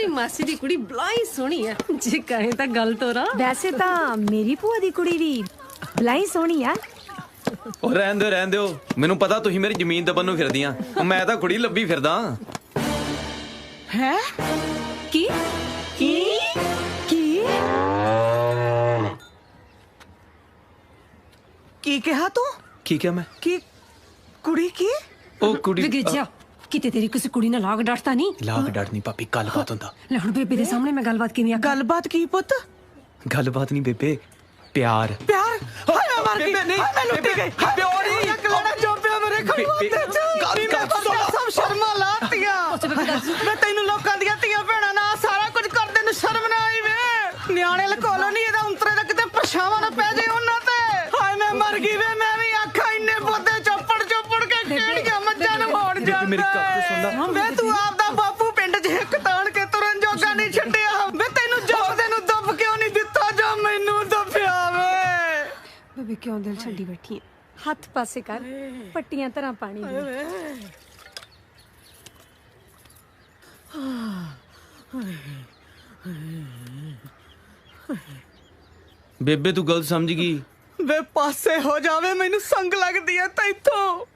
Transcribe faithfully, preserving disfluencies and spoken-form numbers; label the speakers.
Speaker 1: तेरी मासी दी कुड़ी बलाई सोहनी है जे कहे तां गल तोरा।
Speaker 2: वैसे तां मेरी भूआ दी कुड़ी भी बलाई सोहनी है।
Speaker 3: ਉਹ ਰਹਿਣ ਦਿਓ ਰਹਿਣ ਦਿਓ ਮੈਨੂੰ ਪਤਾ ਤੁਸੀਂ ਮੇਰੀ ਜ਼ਮੀਨ ਦਬਨ ਨੂੰ ਫਿਰਦੀਆਂ ਮੈਂ ਤਾਂ ਕੁੜੀ ਲੱਭੀ ਫਿਰਦਾ
Speaker 2: ਹੈ ਕੀ ਕੀ ਕੀ
Speaker 4: ਕੀ ਕਿਹਾ ਤੂੰ?
Speaker 3: ਕੀ ਕਿਹਾ ਮੈਂ
Speaker 4: ਕੀ ਕੁੜੀ ਕੀ?
Speaker 3: ਉਹ ਕੁੜੀ
Speaker 1: विगेजा किते तेरी किसी कुड़ी ने लाग डांटता नहीं।
Speaker 3: ਲਾਗ ਡਰ ਨਹੀਂ ਭਾਬੀ ਗੱਲਬਾਤ ਹੁੰਦਾ
Speaker 1: ले हुण बेबे दे सामने मैं गलबात किवें आखां?
Speaker 4: ਗੱਲਬਾਤ ਕੀ ਪੁੱਤ?
Speaker 3: ਗੱਲਬਾਤ ਨਹੀਂ ਬੇਬੇ ਪਿਆਰ
Speaker 4: ਪਿਆਰ ਹਾਏ ਮੈਂ ਮਰ ਗਈ
Speaker 3: ਨਹੀਂ,
Speaker 4: ਹਾਏ ਮੈਂ ਲੁੱਟੀ ਗਈ
Speaker 3: ਬੇਬੇ, ਉਹ ਨਹੀਂ।
Speaker 4: ਕਲਾੜਾ ਚੋਪਿਆ ਮੇਰੇ ਖੜਵਾਤੇ ਚ
Speaker 3: ਗੱਲ ਕਰ,
Speaker 4: ਗੱਲ ਸਭ ਸ਼ਰਮਾਂ ਲਾਤੀਆਂ ਮੈਂ ਤੈਨੂੰ ਲੋਕਾਂ ਦੀਆਂ ਧੀਆਂ ਭੈਣਾਂ ਨਾਲ ਸਾਰਾ ਕੁਝ ਕਰਦੇ ਨੂੰ ਸ਼ਰਮ ਨਾ ਆਈ ਵੇ ਨਿਆਣੇ ਲਕੋਲੋ ਨਹੀਂ ਇਹਦਾ ਉਂਤਰੇ ਦਾ ਕਿਤੇ ਪਛਾਵਾਂ ਨਾ ਪੈ ਜੇ ਉਹਨਾਂ ਤੇ ਹਾਏ ਮੈਂ ਮਰ ਗਈ ਵੇ ਮੈਂ ਵੀ ਆਖਾਂ ਇੰਨੇ ਪੋਤੇ ਚੋਪੜ ਚੋਪੜ ਕੇ ਕਿਹੜੀਆਂ ਮੱਝਾਂ ਨੂੰ ਮੋੜ ਜਾਂਦਾ
Speaker 3: ਮੇਰੀ ਗੱਲ ਤਾਂ ਸੁਣ ਲੈ।
Speaker 4: ਵੇ ਤੂੰ ਆਪਦਾ ਬਾਪੂ ਪਿੰਡ 'ਚ ਹਿੱਕ ਤਾਣ ਕੇ ਤੁਰਨ ਜੋਗਾ ਨਹੀਂ ਛੱਡਿਆ ਵੇ ਤੈਨੂੰ ਜੋਬਦੇ ਨੂੰ ਦੱਬ ਕਿਉਂ ਨਹੀਂ ਦਿੱਤਾ ਜੋ ਮੈਨੂੰ ਦੱਬਿਆ ਵੇ
Speaker 1: बेबे क्यों दिल छड्डी बैठी है?
Speaker 2: ਹੱਥ ਪਾਸੇ ਕਰ ਪੱਟੀਆਂ ਤਰ੍ਹਾਂ ਪਾਣੀ ਦੀ।
Speaker 3: ਬੇਬੇ ਤੂੰ ਗਲਤ ਸਮਝ ਗਈ
Speaker 4: ਵੇ ਪਾਸੇ ਹੋ ਜਾਵੇ ਮੈਨੂੰ ਸੰਗ ਲੱਗਦੀ ਐ ਤੈਥੋਂ